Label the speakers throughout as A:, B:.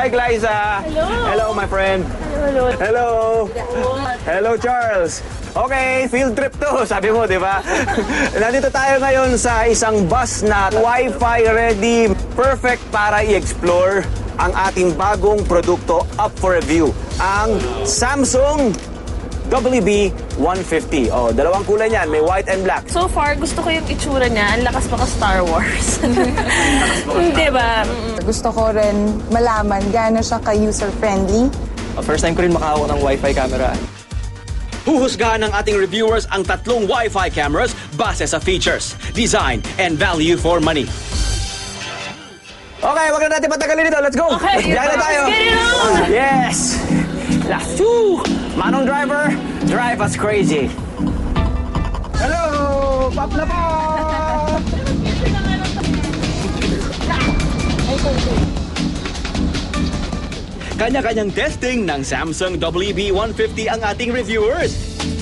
A: Hi, Glyza.
B: Hello.
A: Hello, my friend.
B: Hello.
A: Hello. Hello, Charles. Okay, field trip to, sabi mo, di ba? Nandito tayo ngayon sa isang bus na Wi-Fi ready, perfect para i-explore ang ating bagong produkto up for review, ang Samsung WB150. Oh, dalawang kulay niyan, may white and black.
B: So far, gusto ko yung itsura niya. Ang lakas pa ka Star Wars. Di ba?
C: Gusto ko rin malaman gaano siya ka-user-friendly.
D: First time ko rin makahawak ng Wi-Fi camera.
E: Huhusgahan ng ating reviewers ang tatlong Wi-Fi cameras base sa features, design, and value for money.
A: Okay, wag na natin patagalin ito. Let's go!
B: Okay.
A: Let's biyahe na tayo!
B: Let's get it on!
A: Yes! Last two! Manong driver, drive us crazy. Hello! Pop na po!
E: Kanya-kanyang testing ng Samsung WB150 ang ating reviewers.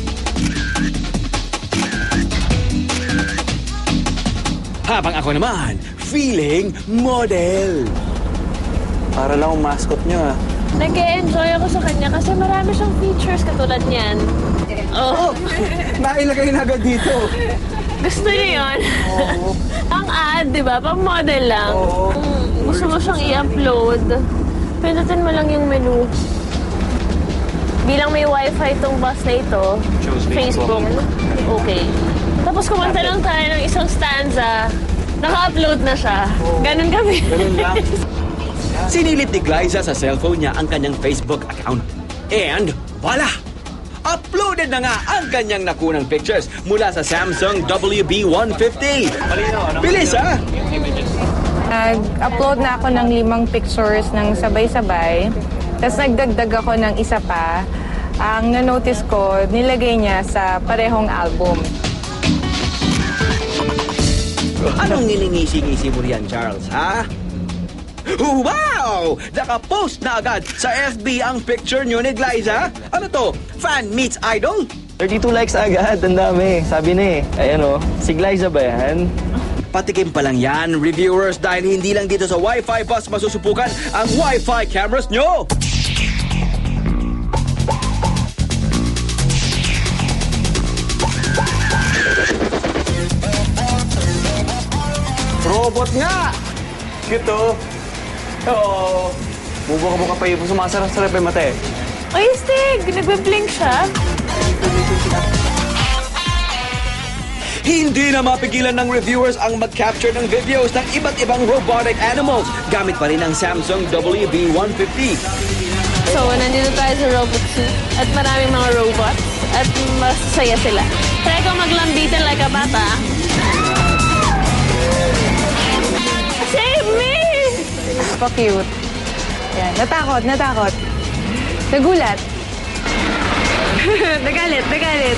E: Habang ako naman, feeling model.
A: Para lang ang mascot nyo, ah.
B: Nag-e-enjoy ako sa kanya kasi marami siyang features katulad niyan. Oh,
A: Nailagay na agad dito.
B: gusto niyo yun? Ang ad, di ba? Pang model lang. Gusto mo siyang i-upload. Pindutin mo lang yung menu. Bilang may wifi itong bus na ito, Facebook. Okay. Tapos kumanta lang tayo ng isang stanza, naka-upload na siya. Ganun kami.
A: Ganun lang.
E: Sinilip ni Glyza sa cellphone niya ang kanyang Facebook account. And voila! Uploaded na nga ang kanyang nakunang pictures mula sa Samsung WB150. Bilis, ha?
C: Nag-upload na ako ng 5 pictures ng sabay-sabay. Tapos nagdagdag ako ng isa pa. Ang na-notice ko, nilagay niya sa parehong album.
E: Anong nilingisi-ngisi mo riyan, Charles, ha? Wow! Naka-post na agad sa FB ang picture nyo ni Glyza. Ano to? Fan meets idol?
D: 32 likes agad, ang dami. Sabi na eh, ayan o, si Glyza ba yan?
E: Patikim pa lang yan, reviewers, dahil hindi lang dito sa Wi-Fi bus masusupukan ang Wi-Fi cameras nyo.
A: Robot nga! Cute, oh. Oo. Bubuka-buka pa yung sumasarap-sarap yung mata, eh.
B: Ay, Stig! Nagbe-blink siya.
E: Hindi na mapigilan ng reviewers ang mag-capture ng videos ng iba't ibang robotic animals gamit pa rin ang Samsung WB150.
B: So, nandito tayo sa Robot Zoo at maraming mga robots at masaya sila. Try ko maglambitin like a bata. Save me!
C: Pa-cute. Yan. Natakot. Nagulat. Nagalit.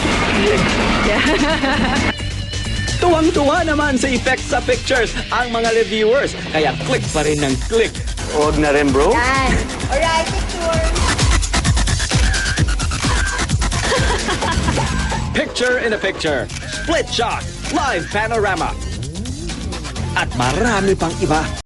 E: Tuwang-tuwa naman sa effects sa pictures ang mga reviewers, kaya click pa rin ng click.
A: Huwag na rin, bro.
C: Alright, picture.
E: Picture in a picture, split shot, live panorama, at marami pang iba.